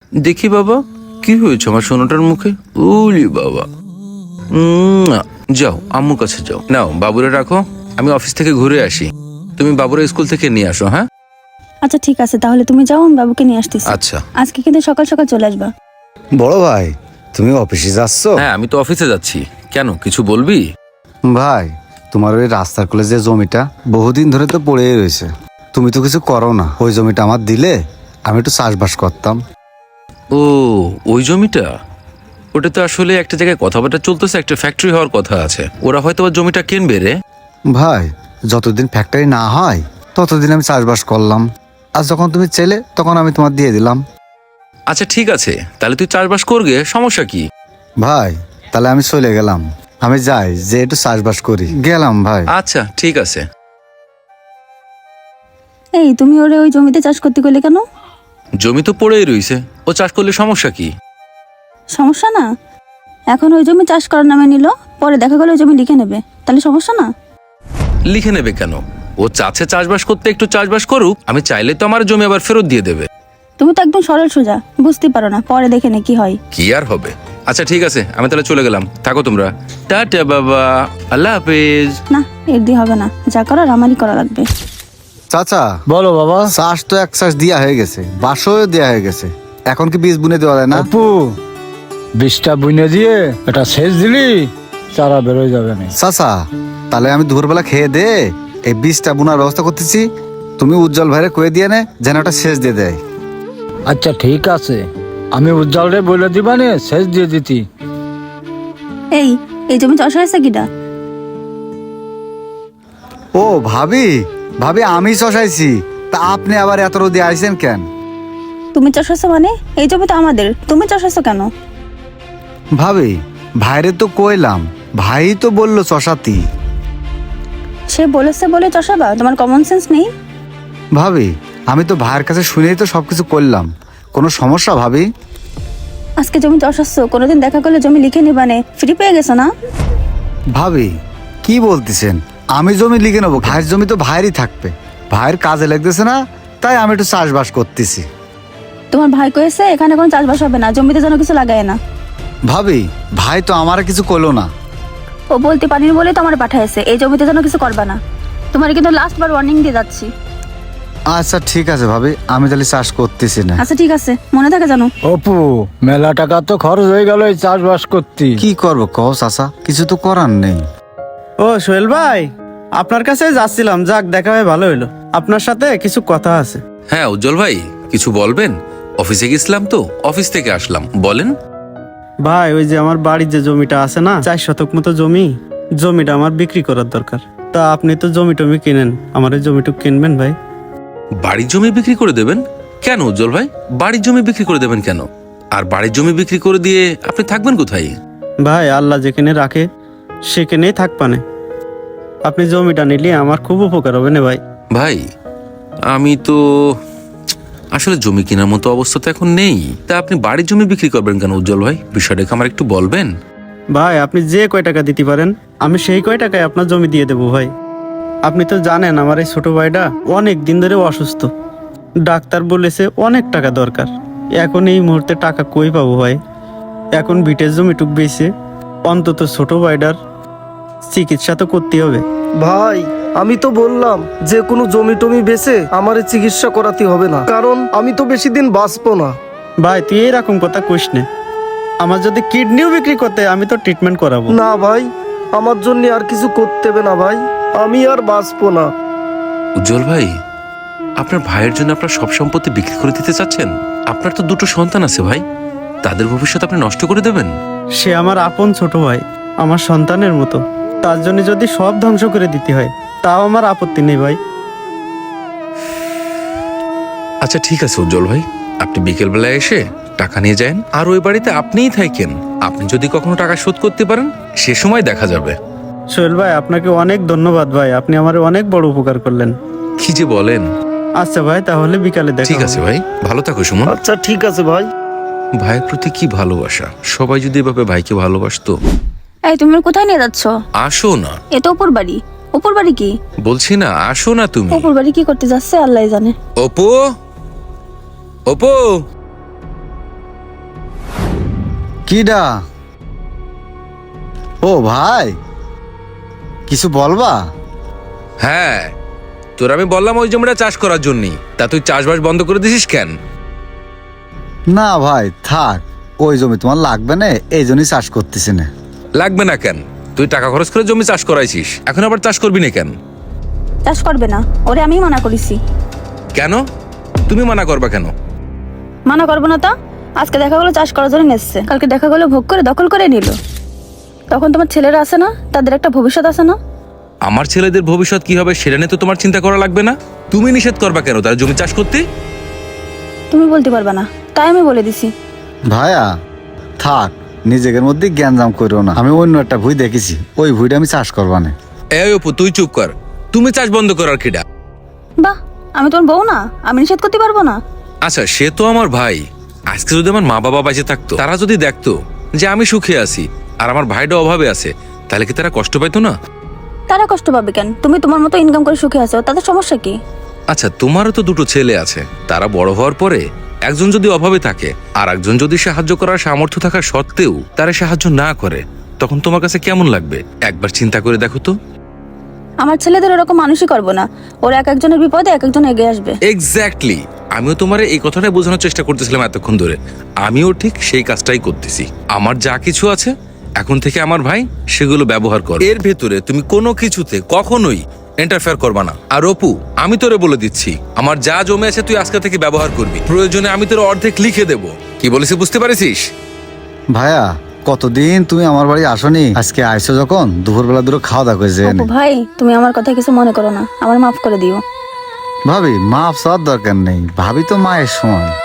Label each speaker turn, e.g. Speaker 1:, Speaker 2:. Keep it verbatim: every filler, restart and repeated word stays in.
Speaker 1: দেখি বাবা, কি হয়েছে আমার সোনাটার মুখে? ওলি বাবা, উম, যাও আম্মুর কাছে যাও। নাও বাবুরে রাখো, আমি অফিস থেকে ঘুরে আসি, তুমি বাবুরে স্কুল থেকে নিয়ে আসো। হ্যাঁ
Speaker 2: আচ্ছা ঠিক আছে, তাহলে তুমি যাও, আমি বাবুকে নিয়ে আসতেছি।
Speaker 1: আচ্ছা।
Speaker 2: আজকে কিন্তু সকাল সকাল চলে আসবা।
Speaker 3: বড় ভাই, তুমি অফিসে যাচ্ছ?
Speaker 1: হ্যাঁ আমি তো অফিসে যাচ্ছি। কেন, কিছু বলবি?
Speaker 3: ভাই, তোমার ওই রাস্তার কোলে যে জমিটা বহুদিন ধরে তো পড়েই রয়েছে, তুমি তো কিছু করো না। ওই জমিটা আমার দিলে আমি একটু চাষবাস করতাম।
Speaker 1: ও, ওই জমিটা? ওটা তো আসলে একটা জায়গায় কথাবার্তা চলতেছে, একটা ফ্যাক্টরি হওয়ার কথা আছে, ওরা হয়তো ওর জমিটা কিনবে রে।
Speaker 3: ভাই, যতদিন ফ্যাক্টরি না হয় ততদিন আমি চাষবাস করলাম, আর যখন তুমি চেলে তখন আমি তোমার দিয়ে দিলাম।
Speaker 1: আচ্ছা ঠিক আছে, তাহলে তুই চাষবাস করবে, সমস্যা কি?
Speaker 3: ভাই, তাহলে আমি চলে গেলাম, আমি যাই যে একটু চাষবাস করি, গেলাম ভাই।
Speaker 1: আচ্ছা ঠিক আছে।
Speaker 2: এই তুমি ওরে ওই জমিতে চাষ করতে গেলে কেন?
Speaker 1: জমি তো পড়েই রইছে, ও চাষ করলে সমস্যা কি?
Speaker 2: সমস্যা না? এখন ওই জমি চাষ করার নামে নিল, পরে দেখা গেল ওই জমি লিখে নেবে, তাহলে সমস্যা না?
Speaker 1: লিখে নেবে কেন? ও চাচ্ছে চাষবাস করতে, একটু চাষবাস করুক, আমি চাইলে তো আমার জমি আবার ফেরত দিয়ে দেবে।
Speaker 2: তুমি তো একদম সরল সোজা, বুঝতে পারো না, পরে দেখে নে কি হয়।
Speaker 1: কি আর হবে। আচ্ছা ঠিক আছে, আমি তাহলে চলে গেলাম, থাকো তোমরা। টাটা বাবা, আল্লাহ হাফেজ।
Speaker 2: না, এর দিয়ে হবে না, যা করার আমারই করা লাগবে।
Speaker 3: চাচা,
Speaker 4: বলো বাবা।
Speaker 3: চাষ তো এক চাষ দিয়া হয়ে গেছে, বাসও দেওয়া হয়ে গেছে, এখন কি বীজ বুনে দেওয়া যায় না?
Speaker 4: অপু, বীজটা বুনে দিয়ে এটা সেচ দিলি চারা বেরোয় যাবে না।
Speaker 3: চাচা, তাহলে আমি দুপুরবেলা খেয়ে দে এই বীজটা বোনার ব্যবস্থা করতেছি, তুমি উজ্জ্বল ভাইরে কয়ে দিয়ে নে যেন ওটা সেচ দিয়ে দেয়।
Speaker 4: আচ্ছা ঠিক আছে, আমি উজ্জ্বল রে বলে দিবা নে সেচ দিয়ে দিতি।
Speaker 2: এই এই জমি চাষ হয়েছে কিনা?
Speaker 3: ও ভাবি, ভাবি আমি চষাইছি, তা আপনি আবার এত রোদে আইছেন কেন?
Speaker 2: তুমি চাষ হয়েছো মানে? এই জমি তো আমাদের, তুমি চাষ হয়েছো কেন?
Speaker 3: ভাবি, ভাইরে তো কইলাম, ভাই তো বললো চষাতি।
Speaker 2: সে বলেছে বলে চষাবা? তোমার কমন সেন্স নেই?
Speaker 3: ভাবি, আমি তো ভাইয়ের কাছে শুনেই তো সবকিছু করলাম, কোনো সমস্যা ভাবি?
Speaker 2: আজকে জমি চাষাচ্ছো, কোনোদিন দেখা করলে জমি লিখে নিবানে, ফ্রি পেয়ে গেছো না?
Speaker 3: ভাবি কি বলতেছেন? আমি জমি লিখে নেবো, ভাইয়ের জমি তো ভাইয়েরই থাকবে, ভাইয়ের কাজে লাগতেছে না, তাই আমি একটু চাষবাস করতেছি।
Speaker 2: তোমার ভাই কয়েছে এখানে কোনো চাষবাস হবে না, জমিতে যেন কিছু লাগায় না।
Speaker 3: ভাবি, ভাই তো আমার কিছু করলো না।
Speaker 2: ও বলতে পারিনি বলেই তো আমার পাঠাইছে, এই জমিতে যেন কিছু করবা না। তোমার কিন্তু লাস্ট বার ওয়ার্নিং দিয়ে যাচ্ছি।
Speaker 3: আচ্ছা ঠিক আছে ভাবি, আমি তাহলে চাষ করতেছি না।
Speaker 2: আচ্ছা ঠিক আছে, মনে থাকে জানো।
Speaker 4: অপু, মেলা টাকা তো খরচ হয়ে গেল এই চাষবাস করতে।
Speaker 3: কি করবো কও চাচা, কিছু তো করার নেই।
Speaker 5: ও সোহেল ভাই, আপনার কাছে যাচ্ছিলাম, যাক দেখা হয়ে ভালো হইলো। আপনার সাথে কিছু কথা আছে।
Speaker 1: হ্যাঁ উজ্জ্বল ভাই, কিছু বলবেন? অফিসে গেছিলাম তো, অফিস থেকে আসলাম, বলেন।
Speaker 5: ভাই, ওই যে আমার বাড়ির যে জমিটা আছে না, চার শতক মতো জমি, জমিটা আমার বিক্রি করার দরকার। তা আপনি তো জমি টমি কিনেন, আমার এই জমিটুকু কিনবেন ভাই?
Speaker 1: বাড়ির জমি বিক্রি করে দেবেন কেন উজ্জ্বল ভাই? বাড়ির জমি বিক্রি করে দেবেন কেন? আর বাড়ির জমি বিক্রি করে দিয়ে আপনি থাকবেন কোথায়?
Speaker 5: ভাই, আল্লাহ যেখানে রাখে সেখানেই থাকবানে। আপনি জমিটা নিলে আমার খুব উপকার হবে না ভাই।
Speaker 1: ভাই আমি তো আসলে জমি কেনার মতো অবস্থা তো এখন নেই, তা আপনি বাড়ির জমি বিক্রি করবেন কেন উজ্জ্বল ভাই? বিষয়টা আমার একটু বলবেন।
Speaker 5: ভাই, আপনি যে কয় টাকা দিতে পারেন আমি সেই কয় টাকায় আপনার জমি দিয়ে দেবো ভাই। আপনি তো জানেন আমার এই ছোট ভাইটা অনেক দিন ধরে অসুস্থ, ডাক্তার বলেছে অনেক টাকা দরকার। এখন এই মুহূর্তে টাকা কই পাবো ভাই? এখন বিটের জমিটুক বেশি, অন্তত ছোট ভাইটার চিকিৎসা তো করতে হবে।
Speaker 6: ভাই, আমি তো বললাম যে কোনো জমি টমি বেচে আমার চিকিৎসা করাতে হবে না, কারণ আমি তো বেশি দিন বাঁচবো না।
Speaker 5: ভাই, তুই এরকম কথা কইস না। আমার যদি কিডনিও বিক্রি করতে আমি তো ট্রিটমেন্ট করাবো।
Speaker 6: না ভাই, আমার জন্য আর কিছু করতে হবে না ভাই, আমি আর বাঁচবো না।
Speaker 1: উজ্জ্বল ভাই, আপনার ভাইয়ের জন্য আপনার সব সম্পত্তি বিক্রি করে দিতে চাচ্ছেন? আপনার তো দুটো সন্তান আছে ভাই, তাদের ভবিষ্যৎ আপনি নষ্ট করে দেবেন?
Speaker 5: সে আমার আপন ছোট ভাই, আমার সন্তানের মতো, তার জন্য যদি সব ধ্বংস করে দিতে হয় তাও আমার আপত্তি নেই ভাই।
Speaker 1: আচ্ছা ঠিক আছে উজ্জ্বল ভাই, আপনি বিকেল বেলায় এসে টাকা নিয়ে যান, আর ওই বাড়িতে আপনিই থাকেন। আপনি যদি কখনো টাকা শোধ করতে পারেন সে সময় দেখা যাবে।
Speaker 5: সোহেল ভাই, আপনাকে অনেক ধন্যবাদ ভাই, আপনি আমার অনেক বড় উপকার করলেন।
Speaker 1: কি যে বলেন।
Speaker 5: আচ্ছা ভাই, তাহলে বিকালে দেখা
Speaker 1: ঠিক আছে
Speaker 5: হবে।
Speaker 1: ভাই, ভালো থাকো সুমন।
Speaker 6: আচ্ছা ঠিক আছে ভাই।
Speaker 1: ভাইয়ের প্রতি কি ভালোবাসা, সবাই যদি এভাবে ভাইকে ভালোবাসতো।
Speaker 2: এই তুমি ওর কোথায় নিয়ে যাচ্ছ?
Speaker 1: আসো না।
Speaker 2: এ তো উপর বাড়ি। উপর বাড়ি কি?
Speaker 1: বলছি না, আসো না তুমি।
Speaker 2: উপর বাড়ি কি করতে যাচ্ছে আল্লাহ জানে।
Speaker 1: অপু, অপু,
Speaker 3: কিডা? ও ভাই, কিছু বলবা?
Speaker 1: হ্যাঁ, তোর আমি বললাম ওই জমিটা চাষ করার জন্যই, তা তুই চাষবাস বন্ধ করে দিছিস কেন?
Speaker 3: না ভাই থাক, ওই জমি তোমার লাগবে না, এই জন্যই চাষ করতেছি না।
Speaker 1: লাগবে না কেন? তুই টাকা খরচ করে জমি চাষ করাইছিস, এখন আবার চাষ করবি না কেন?
Speaker 2: চাষ করবে না, ওরে আমি মানা করেছি।
Speaker 1: কেন তুমি মানা করবা কেন?
Speaker 2: মানা করবো না তা? আজকে দেখা গেলো চাষ করার জন্য এসছে, কালকে দেখা গেলো ভোগ করে দখল করে নিল। তখন তোমার ছেলেরা আছে না, তাদের একটা ভবিষ্যৎ আছে না?
Speaker 1: আমার ছেলেদের ভবিষ্যৎ কি হবে সেটা নিয়ে তো তোমার চিন্তা করা লাগবে না। তুমি নিষেধ করবা কেন তার জমি চাষ করতে?
Speaker 2: তুমি বলতে পারবে না, তাই আমি বলে দিছি।
Speaker 3: ভাইয়া থাক, নিজেদের মধ্যে জ্ঞানজাম করো না। আমি অন্য একটা ভুই দেখেছি, ওই ভুইটা আমি চাষ করবা না।
Speaker 1: এই অপু তুই চুপ কর, তুমি চাষ বন্ধ করার কিডা?
Speaker 2: বাহ, আমি তোমার বউ না, আমি নিষেধ করতে পারবো না?
Speaker 1: আচ্ছা সে তো আমার ভাই, আজকে যদি আমার মা বাবা বেঁচে থাকতো, তারা যদি দেখতো যে আমি সুখে আছি আর আমার ভাইটা অভাবে আছে, তাহলে কি তারা কষ্ট পাইতো না?
Speaker 2: তারা কষ্ট পাবে কেন? তুমি তোমার মতো ইনকাম করে সুখে আছো, তাদের সমস্যা কি?
Speaker 1: আচ্ছা তোমারও তো দুটো ছেলে আছে, তারা বড় হওয়ার পরে একজন যদি অভাবে থাকে আর একজন যদি সাহায্য করার সামর্থ্য থাকা সত্ত্বেও তারা সাহায্য না করে, তখন তোমার কাছে কেমন লাগবে? একবার চিন্তা করে দেখো তো।
Speaker 2: আমার ছেলেদের ওরকম মানুষই করবো না, ওরা এক একজনের বিপদে এক একজন এগিয়ে আসবে।
Speaker 1: এক্স্যাক্টলি, আমিও তোমার এই কথাটাই বোঝানোর চেষ্টা করতেছিলাম এতক্ষণ ধরে। আমিও ঠিক সেই কাজটাই করতেছি। আমার যা কিছু আছে এখন থেকে আমার ভাই সেগুলো ব্যবহার কর, এর ভেতরে তুমি কোনো কিছুতে কখনোই ইন্টারফেয়ার করবা না। আর অপু, আমি তোরে বলে দিচ্ছি, আমার যা জমে আছে তুই আজকে থেকে ব্যবহার করবি, প্রয়োজনে আমি তোর অর্ধেক লিখে দেব। কি বলেছি বুঝতে পারিস?
Speaker 3: ভাইয়া কতদিন তুমি আমার বাড়ি আসনি, আজকে আইসো যখন দুপুরবেলা দুটো খাওয়া দাওয়া করে যেয়ে
Speaker 2: অপু ভাই, তুমি আমার কথা কিছু মনে করো না, আমার মাফ করে দিও।
Speaker 3: ভাবি মাফ চাওয়ার দরকার নেই, ভাবি তো মায়ের সমান।